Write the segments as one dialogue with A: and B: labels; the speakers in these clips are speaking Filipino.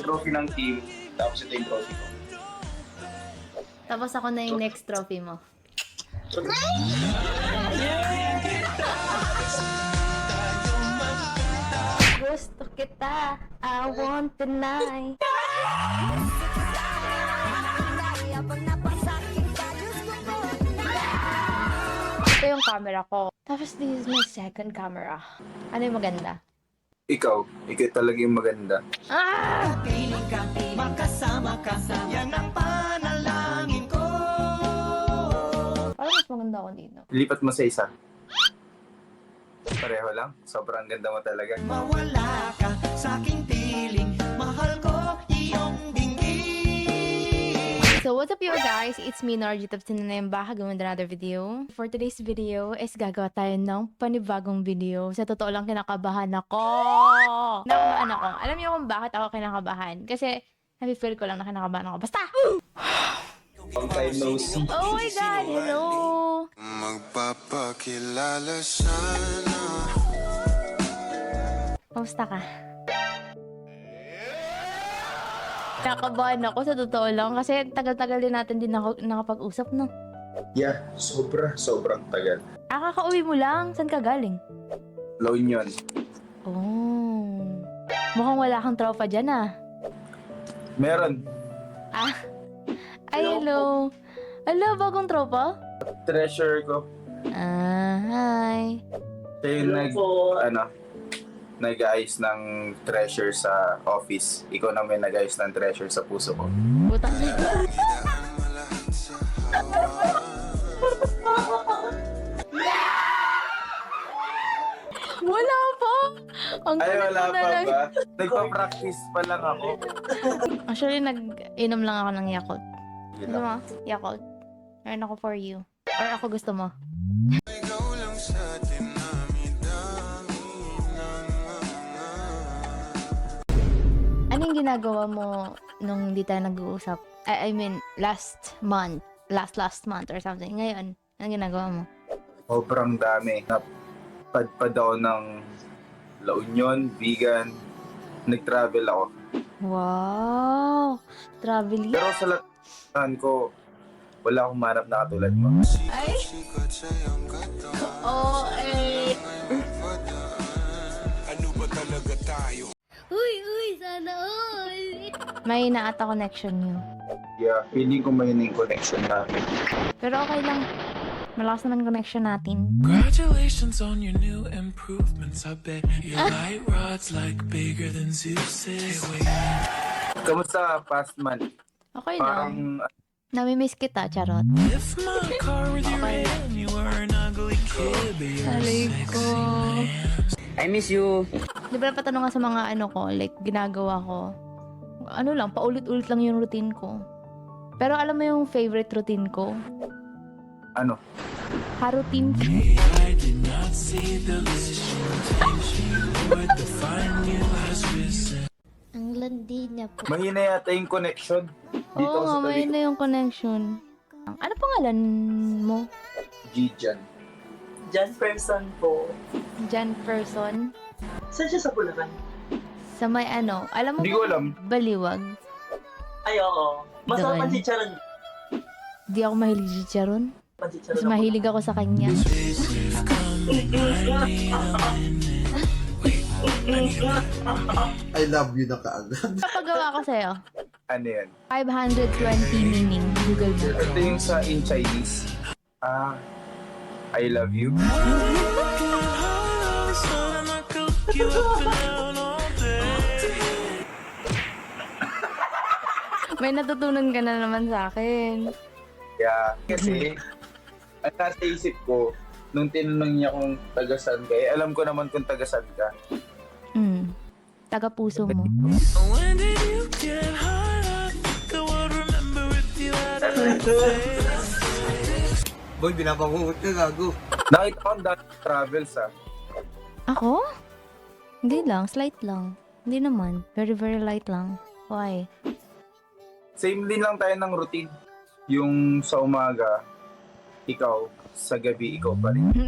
A: trophy ng team, tapos ito yung trophy ko.
B: Tapos ako na yung next trophy mo. Gusto kita, I want tonight. Ito yung camera ko. Tapos this is my second camera. Ano yung maganda?
A: Ikaw talaga yung maganda.
B: Ah!
C: Piling ka, makasama ka, yan ang panalangin ko.
B: Parang mas maganda ako dito.
A: Lipat mo sa isa. Pareho lang. Sobrang ganda mo talaga.
C: Mawala ka sa aking piling, mahal ko iyong dinggin.
B: So what's up you guys? It's me, Narji. Tapos na yung bahay with another video. For today's video is gagawa tayo ng panibagong video. Sa totoo lang kinakabahan ako. Kinakabahan ako. Alam niyo kung bakit ako kinakabahan? Kasi nafe-feel ko lang na kinakabahan ako. Basta!
A: Long time no see.
B: Oh my God! Hello!
D: Magpapakilala sana.
B: Kamusta ka? Kinakabahan ako sa totoo lang kasi tagal-tagal din natin din nakapag-usap, no?
A: Yeah, sobrang tagal.
B: Kakauwi mo lang. Saan ka galing?
A: La Union.
B: Oh. Mukhang wala kang tropa dyan, ah.
A: Meron.
B: Ah. Ay, hello. Hello, bagong tropa?
A: Treasure ko.
B: Ah, hi.
A: Siya yung nag-ayos ng treasure sa office. Ikaw naman nag-ayos ng treasure sa puso ko.
B: Butang na.
D: Idaan mo lahat sa hawa.
B: Wala pa. Ang
A: Ay,
B: kulit
A: wala
B: mo na
A: pa
B: lang.
A: ba? Nagpa-practice pa lang ako.
B: Actually, nag-inom lang ako ng Yakult. Gusto mo? Yakult. Meron ako for you. Or ako gusto mo?
D: Ikaw lang sa dinami-dami ng mga.
B: Anong ginagawa mo nung hindi tayo nag-uusap? I mean, last month or something. Ngayon, anong ginagawa mo?
A: Sobrang dami. Napadpad ako ng La Union, vegan. Nag-travel ako.
B: Wow! Traveling?
A: Pero sa lahat ko, wala akong manap na katulad mo.
D: Sikat sa iyong katawan.
B: Oh, eh.
D: Ano ba talaga tayo?
B: Sana all! May naata connection niyo.
A: Yeah, feeling ko may yung connection natin.
B: Pero okay lang. Malakas naman connection natin.
E: Congratulations on your new improvements. I bet your light rod's like bigger than Zeus's. Hey, wait.
A: Kamusta past month?
B: Okay lang.
A: Parang
B: Namimiss kita, charot.
E: If my car with you and you were an ugly kid, but you're a
B: Aray
E: sexy
B: ko.
E: man.
F: I miss you.
B: Di ba patanong sa mga ano ko, like ginagawa ko, ano lang, paulit-ulit lang yung routine ko. Pero alam mo yung favorite routine ko?
A: ano?
B: Ha-routine ko.
E: I did not see the vision. Things you would define you as risen.
B: Ang landi niya po.
A: Mahina yata yung connection. Dito
B: Oo nga,
A: sa
B: may
A: tabi
B: na yung connection. Ano pangalan mo?
A: Gijan.
G: Jan person po.
B: Jan person?
G: Saan siya sa Bulacan?
B: Sa may ano, alam mo
A: Hindi ko
B: ba,
A: alam.
B: Baliwag.
G: Ay, oo. Masarap
B: Doon.
G: ang chicharon.
B: Di ako mahilig si Charon.
G: Ang chicharon
B: Mas
G: ako.
B: mahilig ako sa kanya.
H: I love you na kaagad.
B: Kapagawa ko sa'yo,
A: Ano yan?
B: 520 meaning. Google mo.
A: Ito yung sa in Chinese. I love you.
B: May natutunan ka na naman sa akin.
A: Yeah, kasi ang nasa isip ko, nung tinanong niya kung taga-saan ka, alam ko naman kung taga-saan ka.
B: Taga puso mo.
E: When did you get hard up? The world remember if you had a face.
H: Boy, binabangungot ka, gago.
A: Nakita ko ang dati travels
B: Ako? Hindi lang, slight lang. Hindi naman. Very, very light lang. Why?
A: Same din lang tayo ng routine. Yung sa umaga, ikaw, sa gabi, ikaw pa rin.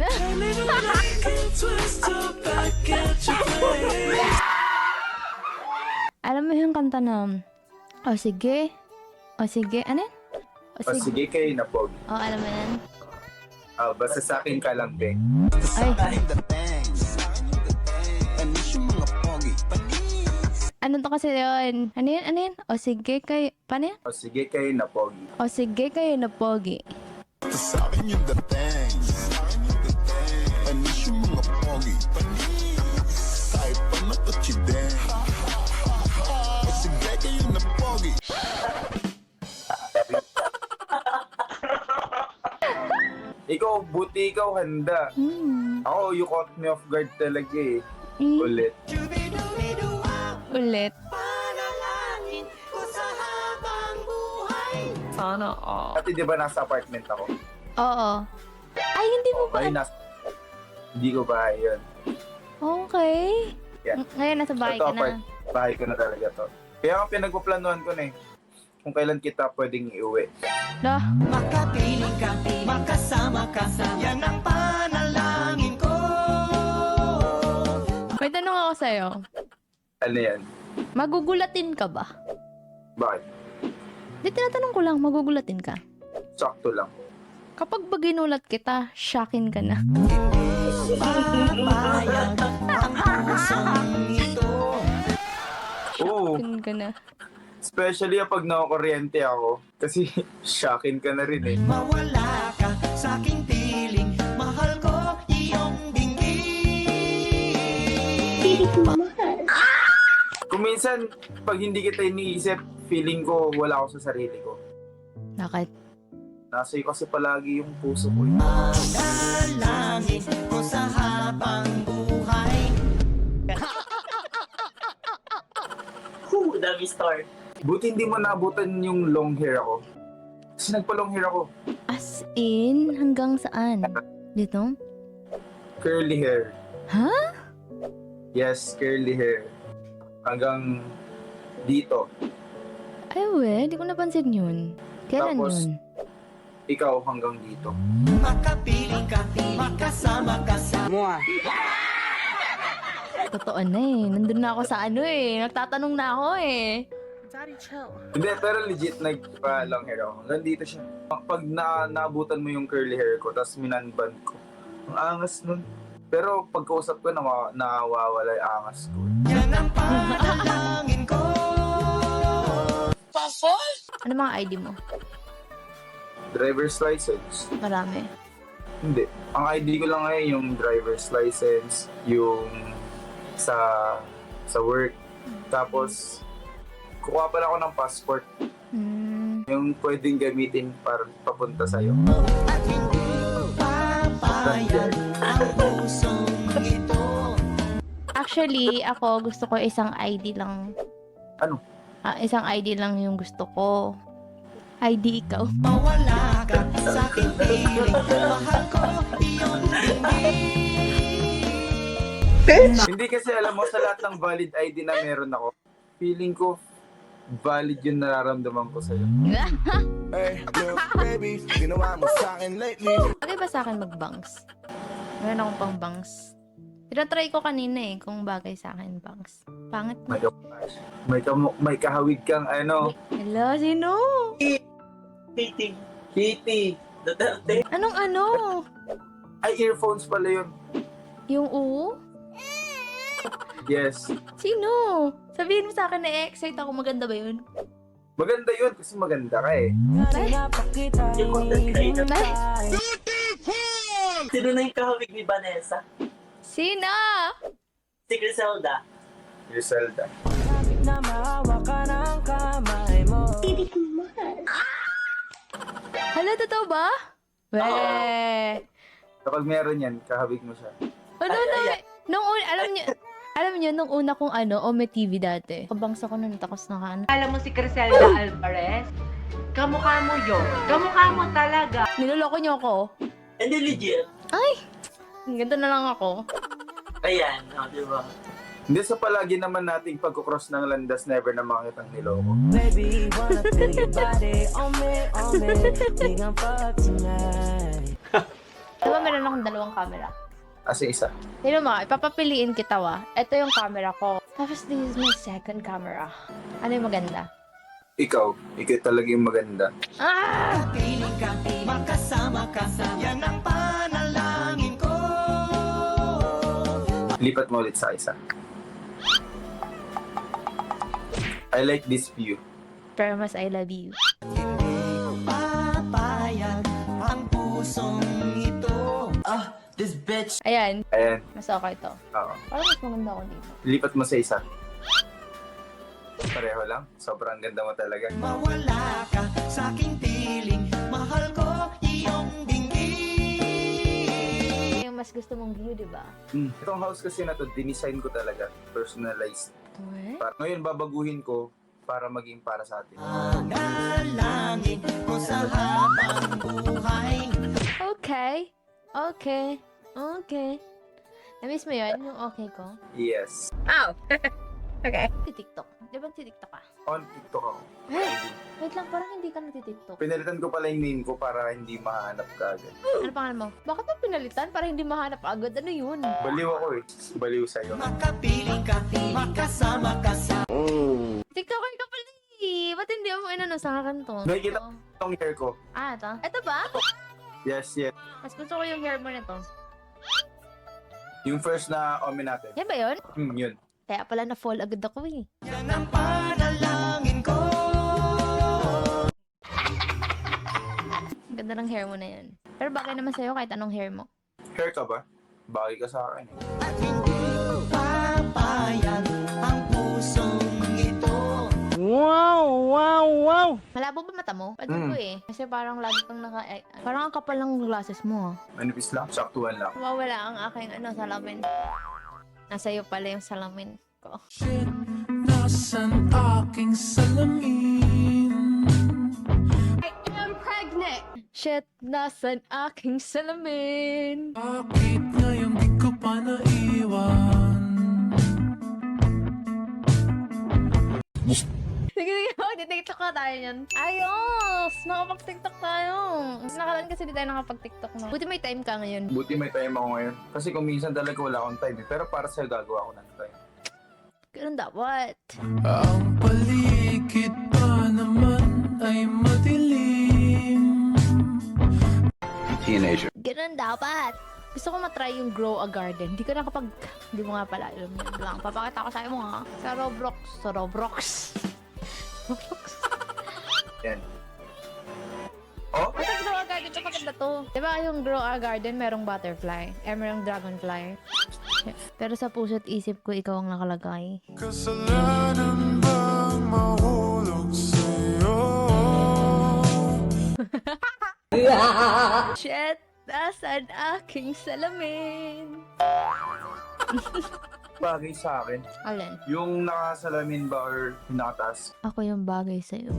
E: Twist her back at your place.
B: Alam mo yung kanta na, o sige, ano yan?
A: O sige kayo na, Pogi.
B: Alam mo yan?
A: Basta sa akin ka lang, Be.
B: Ay, ano to kasi yun? Ano yan? O sige kayo, paano yan?
A: O sige kayo na, Pogi.
B: O sige kayo na pogi.
D: Sa akin yung dating. Anis yung mga pogi. Kahit pa natachideng. O sige kayo na pogi.
A: Ikaw, buti ikaw handa. Ako, you caught me off guard talaga eh. Ulit.
B: Ulit.
G: Sana all.
A: Ate, di ba nasa apartment ako?
B: Oo. Ay, hindi mo ba?
A: Ay, hindi ko bahay yun.
B: Okay.
A: Yeah.
B: Ngayon, nasa bahay
A: Ito,
B: ka na.
A: bahay ko na talaga to. Kaya ang pinagpaplanuhan ko na eh. Kung kailan kita pwedeng iuwi.
B: Dah.
C: Makapiling ka, makasama ka, yan ang panalangin ko.
B: May tanong ako sa'yo.
A: Ano yan?
B: Magugulatin ka ba?
A: Bakit?
B: Di, tinatanong ko lang, magugulatin ka.
A: Sakto lang.
B: Kapag ba ginulat kita, shockin ka na.
C: Papayag ang pusong ito.
A: Oo.
B: Shockin ka na.
A: Especially kapag nakakuryente ako. Kasi shocking ka na rin eh.
C: Mawala ka sa aking piling, mahal ko iyong dinggin.
A: Kung minsan, pag hindi kita iniisip, feeling ko wala ako sa sarili ko.
B: Bakit?
A: Nasa iyo kasi palagi yung puso ko eh.
C: Dalangin ko sa habang buhay.
G: Dami star.
A: Buti hindi mo naabutan yung long hair ako. Kasi nagpa-long hair ako.
B: As in, hanggang saan? Dito?
A: Curly hair.
B: Ha?
A: Yes, curly hair. Hanggang dito.
B: Ay, we, di ko napansin yun. Kailan
A: Tapos,
B: yun?
A: Ikaw hanggang dito.
C: Makapiling ka, makasama ka sa
B: Totoo na eh. Nandun na ako sa ano eh. Nagtatanong na ako eh.
A: Hindi, pero legit nagpa-long hair ako. Hanggang dito siya. Pag naabutan mo yung curly hair ko, tapos minanband ko. Ang angas nun. Pero pagkausap ko, nawawala yung angas ko.
C: yan ang panalangin ko.
B: Ano mga ID mo?
A: Driver's license.
B: Marami.
A: Hindi. Ang ID ko lang ngayon yung driver's license, yung sa work. Tapos, kukuha pala ako ng passport. Yung pwedeng gamitin para papunta sa'yo.
C: At hindi papayag ang pusong ito.
B: Actually, ako gusto ko isang ID lang.
A: Ano?
B: Isang ID lang yung gusto ko. ID ikaw.
C: Mawala ka sa aking piling, mahal ko iyong dinggin.
A: Hindi kasi alam mo, sa lahat ng valid ID na meron ako, feeling ko valid yung nararamdaman ko sa'yo.
D: Hey, look, baby, ginawa mo sa akin lately.
B: Bagay ba sa akin mag-bangs? Meron akong pang bangs. Tinatry ko kanina eh, kung bagay sa akin bangs. Pangit na.
A: May kahawig kang ano,
B: Hello, sino?
G: Dating.
A: Kitty.
G: Duterte.
B: Anong ano?
A: Ay, earphones pala yun.
B: Yung U?
A: Yes.
B: Sino? Sabihin mo sa akin na excite ako. Maganda ba yun?
A: Maganda yun kasi maganda ka eh.
G: Yung content creator.
B: Ay,
G: Sino na yung kahawig ni Vanessa?
B: sino?
G: Si Griselda.
A: Griselda.
B: Hala, totoo ba? Weh.
A: Kapag meron yan, kahawig mo siya.
B: Ano
G: Ay,
B: na?
G: ay, ay.
B: Alam niyo, nung una kong Ome TV dati. Kabangsa ko nun, takos na kan.
F: Alam mo si Griselda Alvarez? Kamukha mo yun. Kamukha mo talaga.
B: Niloloko niyo ako.
G: Hindi legit.
B: Ganito na lang ako.
G: Ayan, di ba?
A: Hindi sa palagi naman nating pagkukross ng landas, never na makitang niloko.
B: Diba meron akong dalawang camera?
A: As in, isa.
B: Sino mo, ipapapiliin kita wa. Ito yung camera ko. Tapos this is my second camera. Ano yung maganda?
A: Ikaw talaga yung maganda.
B: Ah!
C: Piling ka, makasama ka, yan ang panalangin ko.
A: Lipat mo ulit sa isa. I like this view.
B: Pero mas I love you.
C: Hindi papayag ang pusong ito.
G: This bitch.
B: Ayan.
A: Ayan.
B: Mas okay to.
A: Oo.
B: Parang mas maganda ako dito.
A: Lipat mo sa isa. Pareho lang. Sobrang ganda mo talaga.
C: Mawala ka sa aking piling, mahal ko iyong dinggin.
B: Yung mas gusto mong view, di ba?
A: Itong house kasi na to, dinisign ko talaga. Personalized. Ngayon babaguhin ko para maging para sa atin.
C: Panalangin ko sa habang buhay.
B: Okay. Okay. Okay. Na-miss mo yun? Yung okay ko?
A: Yes.
B: Oh! Okay. TikTok. Di ba TikTok ka?
A: On TikTok ako.
B: Wait lang, parang hindi ka nagtitiktok.
A: Pinalitan ko pala yung name ko para hindi mahanap ka agad.
B: Ano pangalan mo? Bakit mo pinalitan para hindi mahanap agad? Ano yun?
A: Baliw ako eh. Baliw sa'yo.
C: Makapiling ka, makasama ka sa
B: TikToker ka pala eh. Ba't hindi mo inano sa akin to?
A: Nakikita ko itong hair ko.
B: Ah, ito? Ito ba?
A: Yes, yes.
B: Mas gusto ko yung hair mo nito.
A: Yung first na omen natin.
B: Yan ba yun?
A: Yun.
B: Kaya pala na-fall agad ako eh.
C: yan ang panalangin ko.
B: Ang ganda ng hair mo na yun. Pero bagay naman sa'yo kahit anong hair mo.
A: Hair ka ba? Bagay ka sa akin eh.
C: At hindi papayag ang pusong ito.
B: Malabo ba mata mo? Pwede ko eh. Kasi parang lagi kang parang ang kapal ng glasses mo ah.
A: Manipis lang. Saktuhan lang.
B: Mawawala ang aking salamin. Nasa iyo pala yung salamin ko.
E: Shit, nasan aking salamin?
B: Shit, nasan aking salamin?
E: Bakit ngayon di ko pa naiwan?
B: Sige, mag-tiktok na tayo yan. Ayos! Nakapag-tiktok tayo. Nakalaan kasi di tayo nakapag-tiktok na. Buti may time ka ngayon.
A: Buti may time ako ngayon. Kasi kung minsan talaga wala akong time eh. Pero para sa'yo gagawa ko ng time.
B: Ganun dapat.
E: Ang paligid pa naman ay madilim.
H: Teenager.
B: Ganun dapat. Gusto ko matry yung grow a garden. Hindi ko na kapag... Hindi mo nga pala alam yun lang. Papakita ko sa'yo mo ha. Sa Roblox. Roblox.
A: Yan. Oh?
B: Basta grow a garden. Ito maganda to. Diba yung grow a garden, merong butterfly. Merong dragonfly. Pero sa puso't isip ko, ikaw ang nakalagay.
D: Kasalanan bang mahulog sa'yo?
B: Shit! Nasaan aking salamin?
A: Bagay sa akin.
B: Alin?
A: Yung nakasalamin ba or yung nakataas?
B: Ako yung bagay sa'yo.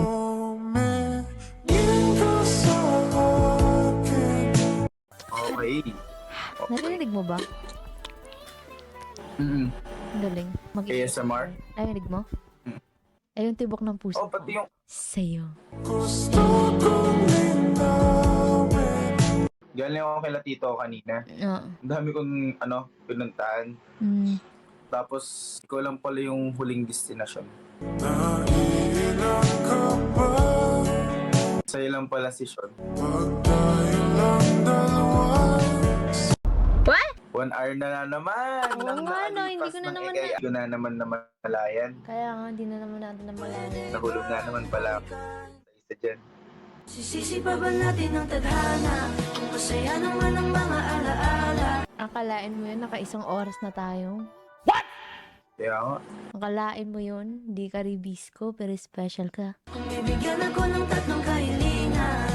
D: Tumingin ka sa akin.
A: Okay.
B: Narinig mo ba?
A: Mm-mm.
B: Ang galing.
A: ASMR?
B: Narinig mo? Ay, yung tibok ng puso
A: Oh, pati yung...
B: sa'yo.
D: Gusto kong linawin.
A: Galing ako kay Tito kanina.
B: Oo.
A: Ang dami kong, pinuntahan. Tapos, ikaw lang pala yung huling destinasyon.
D: Naiilang ka ba?
A: Sa'yo lang pala si Sean.
D: Pag tayo lang dalawa.
B: What?
A: 1 hour na naman.
B: Oo
A: nang
B: nga, no,
A: naalipas
B: hindi ko na
A: ng
B: naman
A: Kaya hindi ko na naman namalayan.
B: Kaya nga, hindi na naman natin namalayan.
A: Nahulog na naman pala ako sa isa dyan.
C: Sisisi pa ba natin ang tadhana? Kung masaya naman ang mga alaala.
B: Akalain mo yun, naka-1 oras na tayo.
A: Kaya nga.
B: Akalain mo yun, di ka ribisco, pero special ka.
C: Kung bibigyan ako ng 3 kahilingan,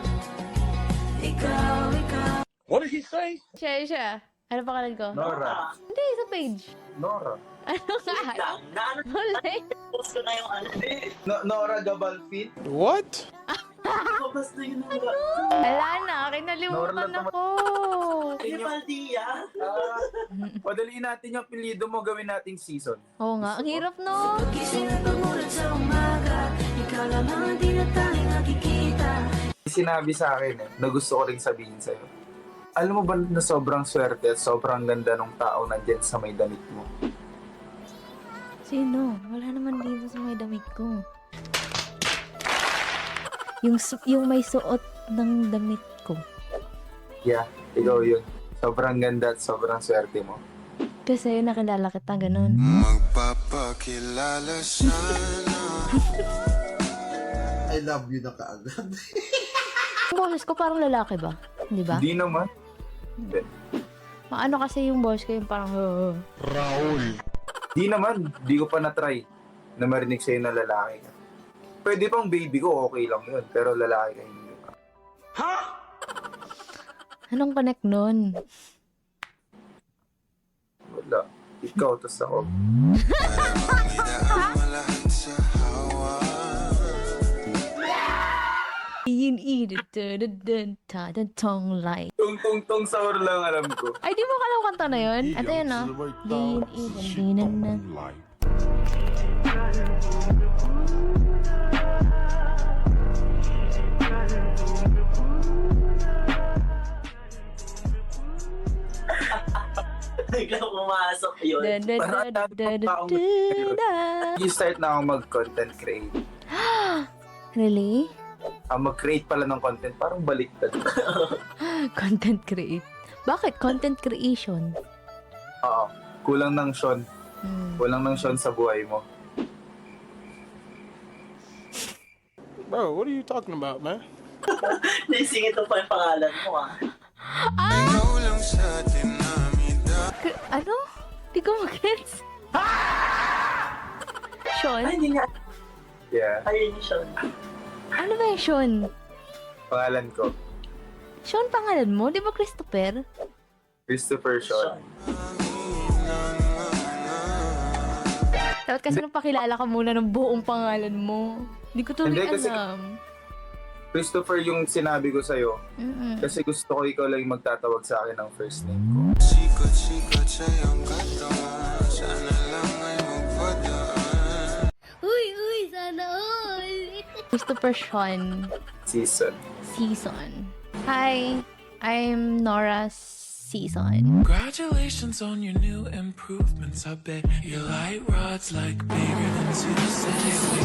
C: ikaw.
H: What did he say?
B: Siya. Ano pangalan ko?
A: Nora.
B: Hindi, sa page.
A: Nora.
B: Ano nga?
G: Naano
B: Huli.
G: post ko na yung ano.
A: Nora Gabalfin.
H: What?
G: Basta yun na.
B: Wala na, kinalimutan
A: Nora,
B: ako.
G: Rivaldia.
A: Padaliin natin yung apelido mo, gawin nating season.
B: Oo nga, ang hirap no.
C: Pagkising at pagmulat sa umaga, ikaw lamang ang tinatanging nakikita.
A: Sinabi sa akin na gusto ko rin sabihin sa'yo. Alam mo ba na sobrang swerte at sobrang ganda ng tao nandyan sa may damit mo?
B: Sino? Wala naman dito sa may damit ko. Yung may suot ng damit ko.
A: Yeah, ikaw yun. Sobrang ganda at sobrang swerte mo.
B: Kasi nakilala kita, ganun.
D: Magpapakilala sana.
C: I love you na kaagad.
B: Yung boses ko parang lalaki ba? Di ba?
A: Hindi naman.
B: Maano kasi yung boss ko yung parang
A: Di naman. Di ko pa na-try na marinig sa'yo na lalaki ka. Pwede pang baby ko, okay lang yun. Pero lalaki ka hindi.
B: Anong connect nun?
A: Wala. Ikaw, tas ako.
B: Tong light.
A: Tung sahur lang alam ko.
B: Ay, di mo alam kanta na yun? At ayun na. Din na.
G: Biglang pumasok yun.
A: You start na ako mag-content create.
B: Really?
A: Mag-create pala ng content, parang baliktad.
B: Content create. Bakit? Content creation.
A: Oo. Kulang ng Sean.
B: Hmm.
A: Kulang ng Sean sa buhay mo.
H: Bro, what are you talking about, man?
G: Naisingit mo pa yung pangalan mo ah.
B: Ano? Di ko mag-gets. Sean?
G: Ay, hindi nga.
A: Yeah.
G: Ayun yung Sean.
B: Ano ba yung Sean?
A: Pangalan ko.
B: Sean pangalan mo? Di ba Christopher?
A: Christopher Sean.
B: Dapat kasi nung pakilala ka muna ng buong pangalan mo. Di ko tuloy
A: Hindi, kasi-
B: alam.
A: Christopher yung sinabi ko sa'yo.
B: Mm-mm.
A: Kasi gusto ko ikaw lang yung magtatawag sa akin ng first name ko.
D: Sikat sa iyong katawan. Sana lang ay magpadaan.
B: Christopher Sean
A: Season.
B: Season. Hi, I'm Nora Season.
E: Congratulations on your new improvements. I bet your light rod's like bigger than Tuesday.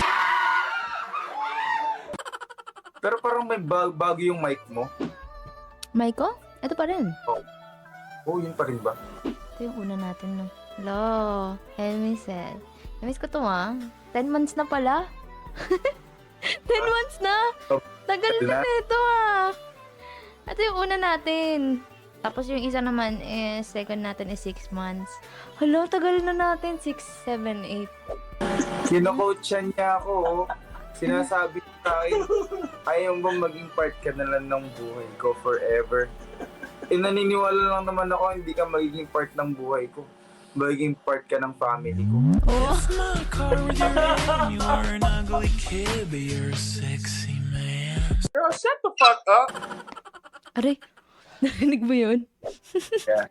A: Pero parang may bago yung mic mo.
B: Maiko? Ito pa rin.
A: Oh, yun pa rin ba?
B: Ito yung una natin, no? Hello, Elmisel. Namiss ko to, 10 months na pala. 10 months na! Tagal na nito, Ito yung una natin. Tapos yung isa naman is, second natin is 6 months. Hello, tagal na natin. 6, 7, 8.
A: Kino-coachan niya ako, oh. Sinasabi sa akin, ayaw bang maging part ka na lang ng buhay ko forever? Naniniwala lang naman ako, hindi ka magiging part ng buhay ko. Magiging part ka ng family ko.
E: It's my car with your name. You are an ugly kid, but you're a sexy man.
H: Girl, shut the fuck up.
B: Aray, narinig mo yun?
A: Yeah.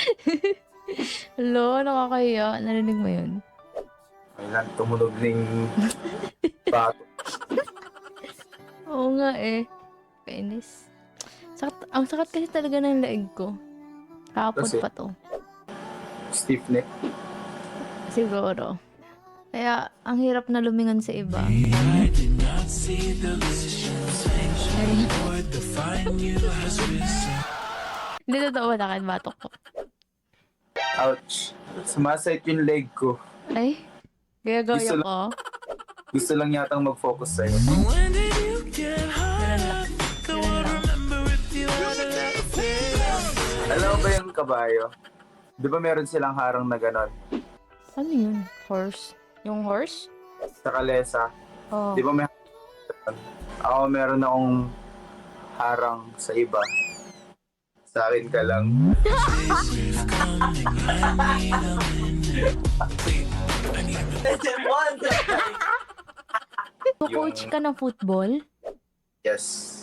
B: Hello, nakakaya. Narinig mo yun?
A: Kailan tumunog ng bato.
B: Oo nga Kainis. Ang sakit kasi talaga ng leeg ko. Kapot
A: Kasi?
B: pa to.
A: Stiff neck.
B: Siguro. Kaya, ang hirap na lumingon sa iba.
E: I did not see the vision. Lord, the fine you has risen.
B: Hindi totoo bakit batok ko.
A: Ouch. Sumasait yung leg ko.
B: Ay, gaya-gaya
A: Gusto
B: ko.
A: Gusto lang yatang mag-focus sa'yo.
E: When did you get high?
B: Ganun lang.
E: The
B: Ganun
E: one
B: lang.
E: remember if you had a laugh.
A: Alam mo ba yung kabayo? Di ba meron silang harang na ganon?
B: Ano yun? Horse? Yung horse?
A: Sa kalesa.
B: Oh.
A: Di ba may ako meron akong harang sa iba. Sa akin ka lang.
E: Safe coming, I need a minute. Wait, I need a minute.
G: Legend 1!
B: Coach ka ng football?
A: Yes.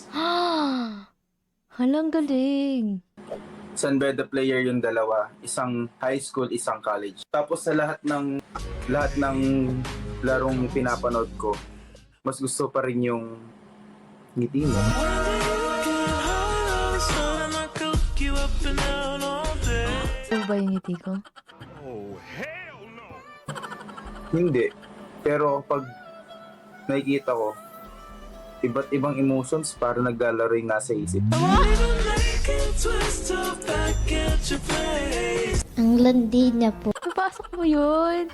B: Halang galing.
A: San Beda player yung dalawa. Isang high school, isang college. Tapos sa lahat ng larong pinapanood ko, mas gusto pa rin yung ngiti mo.
B: Ano ba yung ngiti ko?
A: Hindi. Pero pag nakikita ko, iba't ibang emotions para naglalaro yung nasa isip.
E: Make it twist up back at your place.
B: Ang landi niya po. Napasok mo yun.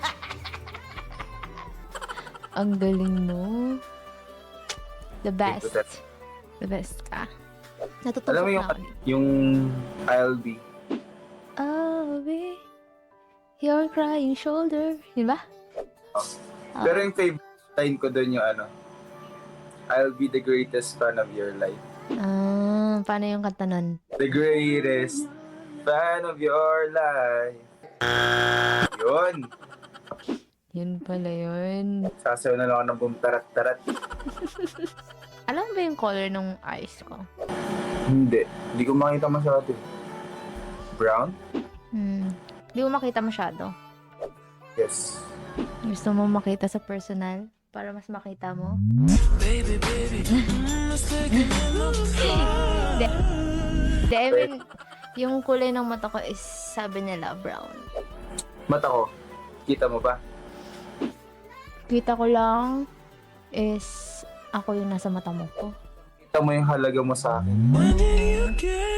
B: Ang galing mo. The best. The best ka. Natutupok
A: Alam mo
B: na
A: yung,
B: ako.
A: yung I'll be.
B: I'll be your crying shoulder. Yun ba? Ah.
A: Pero yung favorite line ko doon yung ano, I'll be the greatest fan of your life.
B: Paano yung kanta nun?
A: The greatest fan of your life. Yun.
B: Yun pala yun.
A: Sasayaw na lang ako ng boom tarat-tarat.
B: Alam mo ba yung color ng eyes ko?
A: Hindi. Hindi ko makita masyado. Brown?
B: Hindi mo makita masyado.
A: Yes.
B: Gusto mo makita sa personal? Para mas makita mo?
E: Baby, baby, let's take it in the fire.
B: Hindi, I mean, yung kulay ng mata ko is, sabi nila, brown.
A: Mata ko. Kita mo ba?
B: Kita ko lang is, ako yung nasa mata mo ko.
A: Kita mo yung halaga mo sa akin.
E: When did you get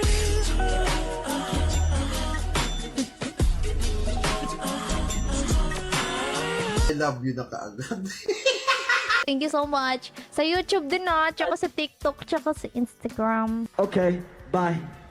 C: I love you na kaagad.
B: Thank you so much. Sa YouTube din tsaka sa TikTok, tsaka sa Instagram.
C: Okay, bye.